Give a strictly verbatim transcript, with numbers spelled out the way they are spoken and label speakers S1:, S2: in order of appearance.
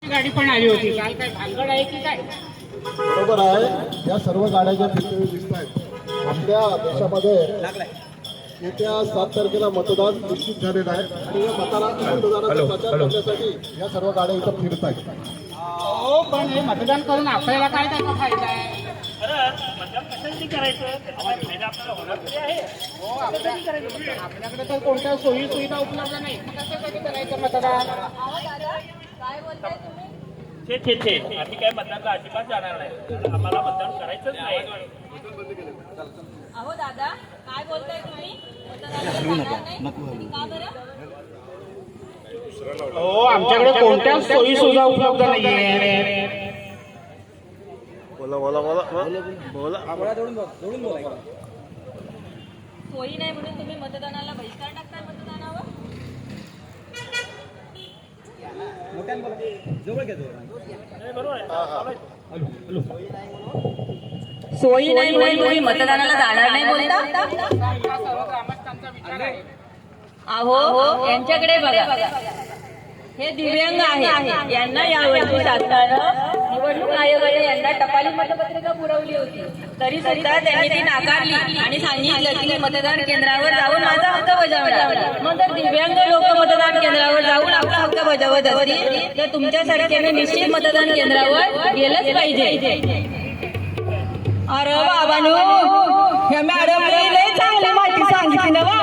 S1: गाडी पण आली होती. काल काय भानगड आहे की काय?
S2: बरोबर आहे. या सर्व गाड्या ज्या फिरते दिसत आहेत आपल्या देशामध्ये येत्या सात तारखेला मतदान निश्चित झालेलं आहे आणि या मतदाना मतदानाचा प्रचार करण्यासाठी या सर्व गाड्या इथं फिरत आहेत.
S1: हो, पण हे मतदान करून आपल्याला काय त्याचा फायदा आहे?
S3: मतदान कशासाठी करायचं? त्याचा फायदा आपल्याला होणार तरी आहे.
S1: हो, आपल्या- आपल्याकडे तर कोणत्या सोयी सुविधा उपलब्ध नाही. मग कशासाठी करायचं मतदान?
S3: छे छे छे आम्ही काय मतदानला अजिबात जाणार नाही. आम्हाला मतदान करायचंच नाही.
S4: अहो दादा, काय बोलताय तुम्ही? मतदानाला जाणार नाही? का बरं?
S1: हो, आमच्याकडे कोणत्या सोयी सुविधा उपलब्ध नाहीये.
S4: सोयी नाही म्हणून तुम्ही मतदानाला बहिष्कार टाकताय मतदानावर? सोयी नाही म्हणून तुम्ही मतदानाला जाणार नाही बोलता?
S1: हा सर्व ग्रामस्थांचा विचार आहे.
S4: अहो यांच्याकडे बघा, हे दिव्यांग आहे. यांना यावर्षी शासनानं निवडणूक आयोगाने यांना टपाली मतपत्रिका पुरवली होती, तरी सुद्धा त्यांनी ती नाकारली आणि सांगितलं की मतदान केंद्रावर जाऊन माझा हक्क बजावणार. मग जर दिव्यांग लोक मतदान केंद्रावर जाऊन आपला हक्क बजावत असतील तर तुमच्यासारख्याने निश्चित मतदान केंद्रावर गेलंच पाहिजे. अरे बाबांनो, ह्या मॅडमने लय चांगली माहिती सांगितली ना.